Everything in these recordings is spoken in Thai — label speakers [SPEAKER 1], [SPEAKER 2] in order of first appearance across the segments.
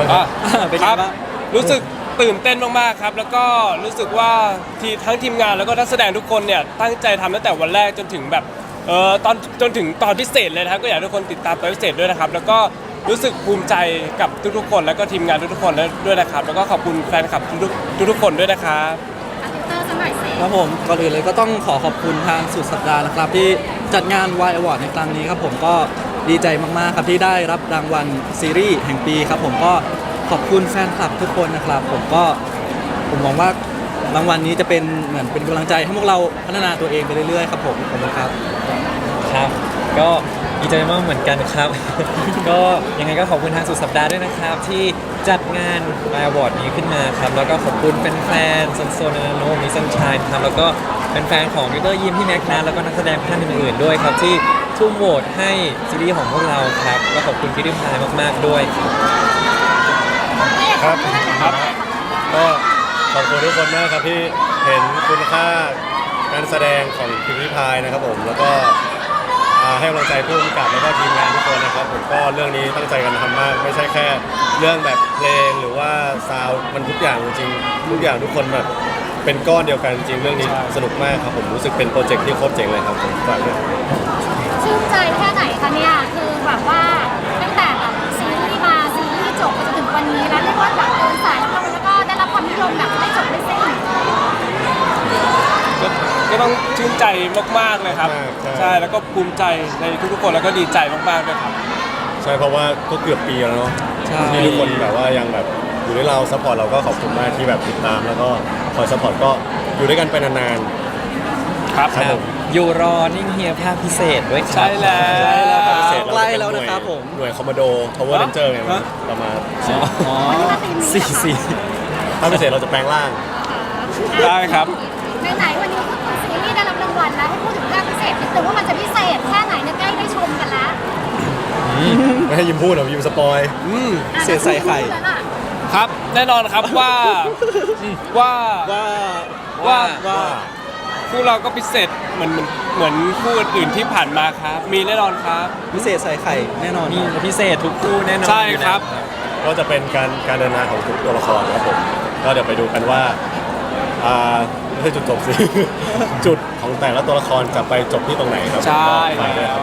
[SPEAKER 1] เป็นไงบ้างรู้สึกตื่นเต้นมากๆครับแล้วก็รู้สึกว่าทั้งทีมงานแล้วก็นักแสดงทุกคนเนี่ยตั้งใจทำตั้งแต่วันแรกจนถึงแบบตอนจนถึงตอนพิเศษเลยนะครับก็อยากให้ทุกคนติดตามตอนพิเศษด้วยนะครับแล้วก็รู้สึกภูมิใจกับทุกๆคนแล้วก็ทีมงานทุกๆคนด้วยนะครับแล้วก็ขอบคุณแฟนคลับทุกๆคนด้วยนะครับ
[SPEAKER 2] ครับผมก่อนอื่นเลยก็ต้องขอบคุณทางสุดสัปดาห์นะครับที่จัดงาน Y Award ในครั้งนี้ครับผมก็ดีใจมากๆครับที่ได้รับรางวัลซีรีส์แห่งปีครับผมก็ขอบคุณแฟนคลับทุกคนนะครับผมมองว่ารางวัลนี้จะเป็นเหมือนเป็นกำลังใจให้พวกเราพัฒนาตัวเองไปเรื่อยๆครับผมขอบคุณครับ
[SPEAKER 3] ครับก็ดีใจมากเหมือนกันครับ ก็ยังไงก็ขอบคุณทางสุดสัปดาห์ด้วยนะครับที่จัดงาน My Award นี้ขึ้นมาครับแล้วก็ขอบคุณเป็นแฟนโซนนาโนมิซันชัยครับแล้วก็เป็นแฟนของวิเตอร์ยิมพี่แม็กนัทแล้วก็นักแสดงท่านอื่นๆด้วยครับที่ทุ่มโหวตให้ซีรีส์ของพวกเราครับก็ขอบคุณพี่ดิมพายมากๆด้วย
[SPEAKER 4] ครับก็ขอบคุณทุกคนมากครับที่เห็นคุณค่าการแสดงของพิมพ์ริพายนะครับผมแล้วก็ให้กำลังใจผู้กำกับแล้วก็ทีมงานทุกคนนะครับผมก็เรื่องนี้ตั้งใจกันทำมากไม่ใช่แค่เรื่องแบบเพลงหรือว่าซาวด์มันทุกอย่างจริงทุกอย่างทุกคนแบบเป็นก้อนเดียวกันจริงเรื่องนี้สนุกมากครับผมรู้สึกเป็นโปรเจกต์ที่โคตรเจ๋งเลยครับผมฝากด้วย
[SPEAKER 5] ชื่นใจแค่ไหนคะเนี่ยคือแบบว่าตั้งแต่แบบซีรีส์มาซีรีส์จบจนถึงวันนี้แล้วเรียกว่าแบบเดินสายแล้วก็ได้รับความนิยมแบบไม่จบไม่สิ้น
[SPEAKER 1] ก็ต้องชื่นใจมากๆเลยครับใช่แล้วก็ภูมิใจในทุกๆคนแล้วก็ดีใจมากๆด้วยครับ
[SPEAKER 4] ใช่เพราะว่าก็เกือบปีแล้วเนาะที่ทุกคนแบบว่ายังแบบอยู่ด้วยเราซัพพอร์ตเราก็ขอบคุณมากที่แบบติดตามแล้วก็คอยซัพพอร์ตก็อยู่ด้วยกันไปนาน
[SPEAKER 1] ๆครับ
[SPEAKER 3] อยู่รอนิ่งเฮียภาคพิเศษด้วยครับ
[SPEAKER 1] ใช่แล้ว
[SPEAKER 2] ภาคพิเศษใกล้แล้วนะครับผม
[SPEAKER 4] หน่วยคอมมานโด Power Ranger ไงประมาณ
[SPEAKER 3] 4
[SPEAKER 4] ภาคพิเศษเราจะแปลงร่าง
[SPEAKER 1] ได้ครับ
[SPEAKER 5] ไหนวันนี้ซีรีส์ได้รับรางวัลแล้วให้พูดถึงภาคพิเศษนิดนึงว่ามันจะพิเศษแค่ไหนเนี่ยใกล้ได้ชมกันแล้ว
[SPEAKER 4] ไม่ให้ยิ้มพูดหรอยิ้มสปอย
[SPEAKER 2] เศษใส่ไข่
[SPEAKER 1] ครับแน่นอนครับว่าคู่เราก็พิเศษเหมือนคู่อื่นที่ผ่านมาครับมีแน่นอนครับ
[SPEAKER 2] พิเศษใส่ไข่แน่นอน
[SPEAKER 3] มีพิเศษทุกคู่แน่นอน
[SPEAKER 1] ใช่ครับ
[SPEAKER 4] ก็จะเป็นการเดินทางของทุกตัวละครครับผมก็เดี๋ยวไปดูกันว่าไม่ใช่จุดจบสิ จุดของแต่ละตัวละครจะไปจบที่ตรงไหนครับ
[SPEAKER 1] ใช่
[SPEAKER 4] ครับ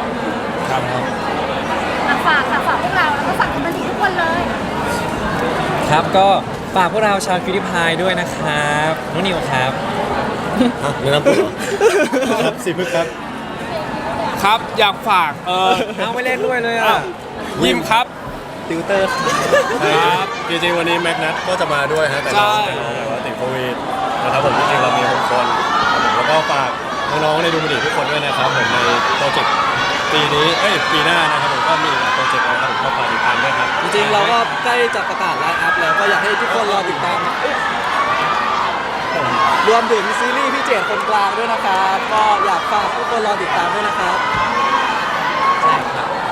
[SPEAKER 5] ฝากพวกเราแล้วก็ฝากคนบันเทิงทุกคนเลย
[SPEAKER 3] ครับก็ฝากพวกเราชาวคิวดิพายด้วยนะครับน้องนิวครับ
[SPEAKER 4] แนะนำตัวครับสิพึกครับ
[SPEAKER 1] ครับอยากฝาก
[SPEAKER 3] เอาไม่เล่นด้วยเลยอ่ะ
[SPEAKER 1] ยิมครับ
[SPEAKER 2] ติวเตอร์
[SPEAKER 4] ครับจริงๆวันนี้แม็กนัทก็จะมาด้วยฮะแต่น้องติดโควิดนะครับผมจริงๆเรามี6คนแล้วก็ฝากน้องๆในดูมันดีทุกคนด้วยนะครับผมในโปรเจกต์ปีหน้านะครับผมก็มีโปรเจกต์นะครับผมก็ฝากติดตามด้วยครับ
[SPEAKER 2] จริงๆเราก็ใกล้จะประกาศไลน์อัพแล้วก็อยากให้ทุกคนรอติดตามรวมถึงซีรีส์พี่เจตคนกลางด้วยนะครับก็อยากฝากทุกคนรอติดตามด้วยนะครับ
[SPEAKER 3] ใช่ครับ